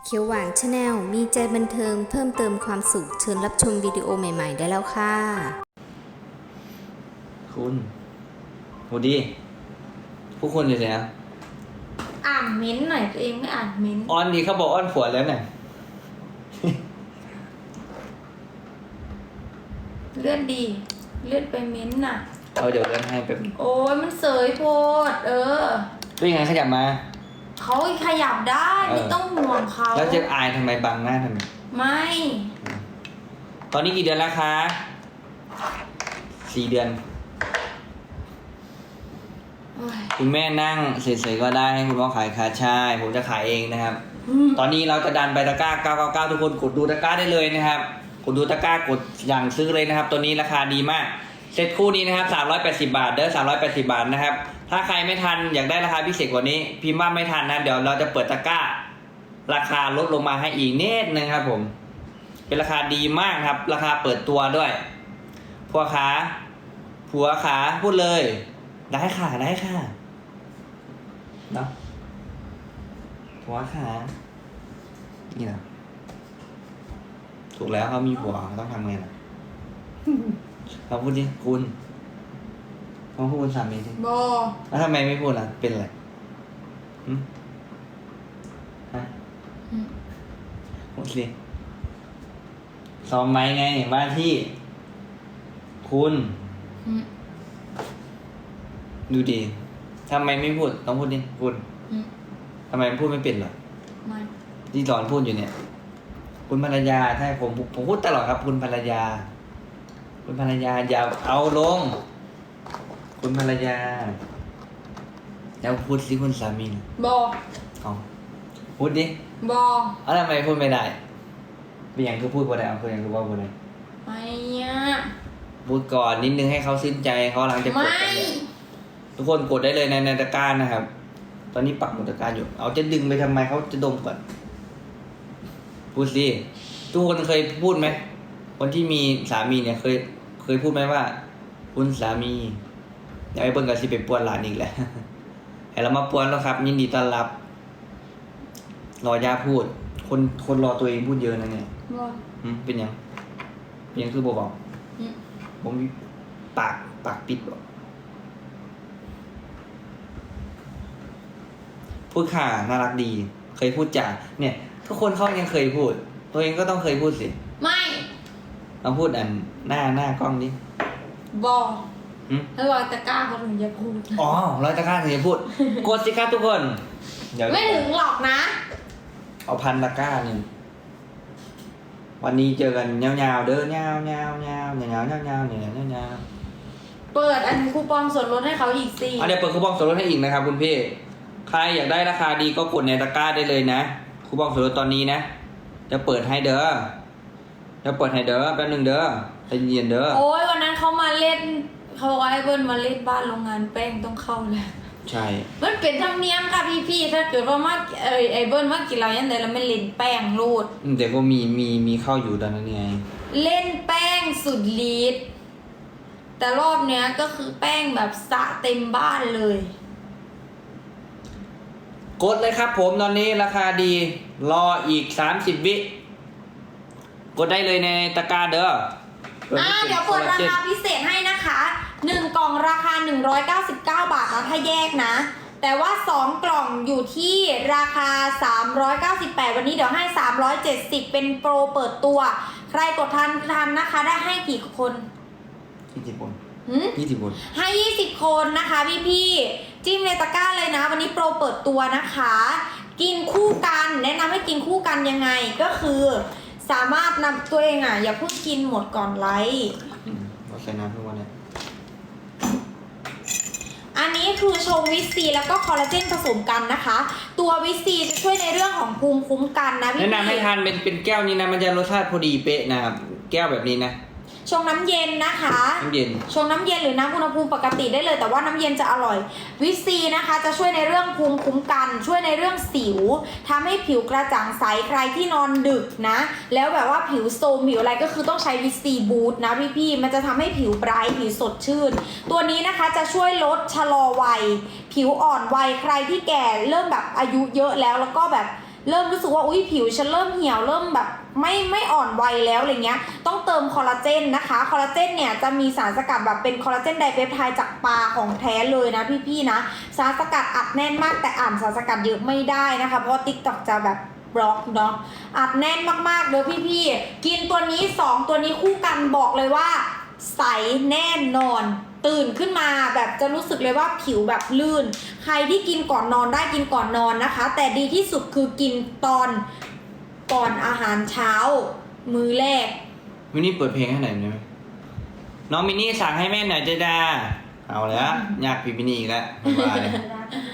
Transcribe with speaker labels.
Speaker 1: เขียวหวานชาแนลมีใจบันเทิงเพิ่มเติมความสุขเชิญรับชมวิดีโอใหม่ๆได้แล้วค่ะ
Speaker 2: คุณโหดีพวกคุณอยู่ไหนนะ
Speaker 3: อ่านเม้นต์หน่อยตัวเองไม่อ่านเม้นต์
Speaker 2: อ้อนดีเขาบอกอ้อนผัวแล้วเนี่ย
Speaker 3: เลื่อนดีเลื่อนไปเม้นต์น่ะ
Speaker 2: เอาเดี๋ยวเลื่อนให้แบบ
Speaker 3: โอ้ยมันเสยโพด
Speaker 2: ด้วยยังไงขยับมา
Speaker 3: เขาขยับได้ไม่ต้องห่วงเขา
Speaker 2: แล้วจะอายทำไมบังหน้าทำไม
Speaker 3: ไม่
Speaker 2: ตอนนี้กี่เดือนแล้วคะ4 เดือน
Speaker 3: โอ้ย
Speaker 2: คุณแม่นั่งเฉยๆก็ได้ให้คุณพ่อขายคาชายผมจะขายเองนะครับ ตอนนี้เราจะดันไปตะกร้า999ทุกคนกดดูตะกร้าได้เลยนะครับกดดูตะกร้ากดอย่างซื้อเลยนะครับตัวนี้ราคาดีมากเซตคู่นี้นะครับ380 บาทเด้อ380 บาทนะครับถ้าใครไม่ทันอยากได้ราคาพิเศษกว่านี้พิมพ์ว่าไม่ทันนะเดี๋ยวเราจะเปิดตะกร้าราคาลดลงมาให้อีกนิดนึงครับผมเป็นราคาดีมากครับราคาเปิดตัวด้วยผัวขาพูดเลยได้ค่ะเนาะผัวขานี่นะถูกแล้วเขามีผัวเขาต้องทำไงล่ะ เขาพูดดิคุณเขาพูดคุณสามีดิ
Speaker 3: บอ
Speaker 2: แล้วทำไมไม่พูดล่ะเป็นอะไรฮะพูดสิซ้อมไหมไงว่าที่คุณดูดิทำไมไม่พูดต้องพูดดิคุณทำไมพูดไม่เป็นเหรอ
Speaker 3: ไม่
Speaker 2: ที่สอนพูดอยู่เนี่ยคุณภรรยาใช่ผมพูดตลอดครับคุณภรรยาอย่าเอาลงคุณภรรยาแล้วพูดสิคุณสามี
Speaker 3: บอ
Speaker 2: เอาพูดดิ
Speaker 3: บอ
Speaker 2: เอาทำไมพูดไม่ได้เป็นอย่างคือพูดบ่ได้เอาคืออย่างคือว่าบ่ได้
Speaker 3: ไม่เนี่ย
Speaker 2: พูดก่อนนิดนึงให้เขาซึ้นใจเขาหลังจะกด
Speaker 3: ไม่
Speaker 2: กันเนี่ยทุกคนกดได้เลยในตะกร้านะครับ ตอนนี้ปักหมุดตะกร้าอยู่เอาจะดึงไปทำไมเขาจะดมก่อนพูดสิทุกคนเคยพูดไหมคนที่มีสามีเนี่ยเคยพูดไหมว่าคุณสามีอยากให้เบิ้งกับสิไปปวนหลานอีกแหละ ให้เรามาปวนแล้วครับยินดีต้อนรับรอย่าพูดคนรอตัวเองพูดเยอะนะเนี่ย
Speaker 3: บอ
Speaker 2: เป็นยังคือบอกผมปากปิดบอกพูดค่ะน่ารักดี เคยพูดจ่าเนี่ย ทุกคนเขายังเคยพูด ตัวเองก็ต้องเคยพูดสิ
Speaker 3: ไม่
Speaker 2: ลองพูดหน้ากล้องดิ
Speaker 3: บอแล้วรอยตะกร้าเขาถึงจะพูด
Speaker 2: อ๋อ100 ตะกร้าถึงจะพูด กดสิครับทุกคนเดี๋ยว
Speaker 3: ไม่ถึงหรอกนะ
Speaker 2: เอา1,000 ตะกร้าหนึ่งวันนี้เจอกันยาวๆเด้อยาวๆ
Speaker 3: เปิดอันคูปองส่วนลดให้เขาอีกสิ
Speaker 2: เดี๋ยวเปิดคูปองส่วนลดให้อีกนะครับคุณพี่ใครอยากได้ราคาดีก็กดในตะกร้าได้เลยนะคูปองส่วนลดตอนนี้นะจะเปิดให้เด้อแป๊บนึงเด้อใจเย็นเด้อ
Speaker 3: โอ้ยวันนั้นเขามาเล่นเขาบอกว่าไอ้เบิ้ลมาเล่นบ้านโรงงานแป้งต้องเข้าเลย
Speaker 2: ใช่
Speaker 3: มันเป็นธรรมเนียมค่ะพี่ๆถ้าเกิดว่ามาไอ้เบิ้ลมากินเราอย่างไรแล้วไม่เล่นแป้งรูด
Speaker 2: แต่ก็มีเข้าอยู่ตอนนั้นไง
Speaker 3: เล่นแป้งสุดฤทธิ์แต่รอบเนี้ยก็คือแป้งแบบสะเต็มบ้านเลย
Speaker 2: กดเลยครับผมตอนนี้ราคาดีรออีก30 วิกดได้เลยในตะกร้าเด้อ
Speaker 3: เดี๋ยวเปิดราคาพิเศษให้นะคะ1 กล่องราคา199 บาทนะถ้าแยกนะแต่ว่า2 กล่องอยู่ที่ราคา398วันนี้เดี๋ยวให้370เป็นโปรเปิดตัวใครกดทันนะคะได้ให้กี่คน
Speaker 2: 20 คน
Speaker 3: 20 คนให้20 คนนะคะพี่จิ้มในตะกร้าเลยนะวันนี้โปรเปิดตัวนะคะกินคู่กันแนะนำให้กินคู่กันยังไงก็คือสามารถนำตัวเองอย่าเพิ่งกินหมดก่อนไลฟ์
Speaker 2: เราใส่น้ำทุกวันเลย
Speaker 3: อันนี้คือชงวิตซีแล้วก็คอลลาเจนผสมกันนะคะตัววิตซีจะช่วยในเรื่องของภูมิคุ้มกันนะพี่
Speaker 2: แนะนำให้ทานเป็นแก้วนี้นะมันจะรสชาติพอดีเป๊ะนะครับแก้วแบบนี้นะ
Speaker 3: ชงน้ำเย็นนะคะ
Speaker 2: น้ำเย็น
Speaker 3: ชงน้ำเย็นหรือน้ำอุณหภูมิปกติได้เลยแต่ว่าน้ำเย็นจะอร่อยวิตซีนะคะจะช่วยในเรื่องภูมิคุ้มกันช่วยในเรื่องสิวทำให้ผิวกระจ่างใสใครที่นอนดึกนะแล้วแบบว่าผิวโทรมผิวอะไรก็คือต้องใช้วิตซีบูทนะพี่ๆมันจะทำให้ผิวไบรท์ผิวสดชื่นตัวนี้นะคะจะช่วยลดชะลอวัยผิวอ่อนวัยใครที่แก่เริ่มแบบอายุเยอะแล้วก็แบบเริ่มรู้สึกว่าอุ้ยผิวฉันเริ่มเหี่ยวเริ่มแบบไม่อ่อนวัยแล้วอะไรเงี้ยต้องเติมคอลลาเจนนะคะคอลลาเจนเนี่ยจะมีสารสกัดแบบเป็นคอลลาเจนไดเปปไทด์จากปลาของแท้เลยนะพี่ๆนะสารสกัดอัดแน่นมากแต่อ่านสารสกัดเยอะไม่ได้นะคะเพราะ TikTok จะแบบบล็อกเนาะอัดแน่นมากๆเลยพี่ๆกินตัวนี้2ตัวนี้คู่กันบอกเลยว่าใสแน่นอนตื่นขึ้นมาแบบจะรู้สึกเลยว่าผิวแบบลื่นใครที่กินก่อนนอนได้กินก่อนนอนนะคะแต่ดีที่สุดคือกินตอนก่อนอาหารเช้ามื้อแรก
Speaker 2: มินี่เปิดเพลงให้หน่อยได้ไหมน้องมินี่สั่งให้แม่หน่อยเจดาเอาแล้วอยากพี่มินี่อีกแล้วไม่ว่าเลย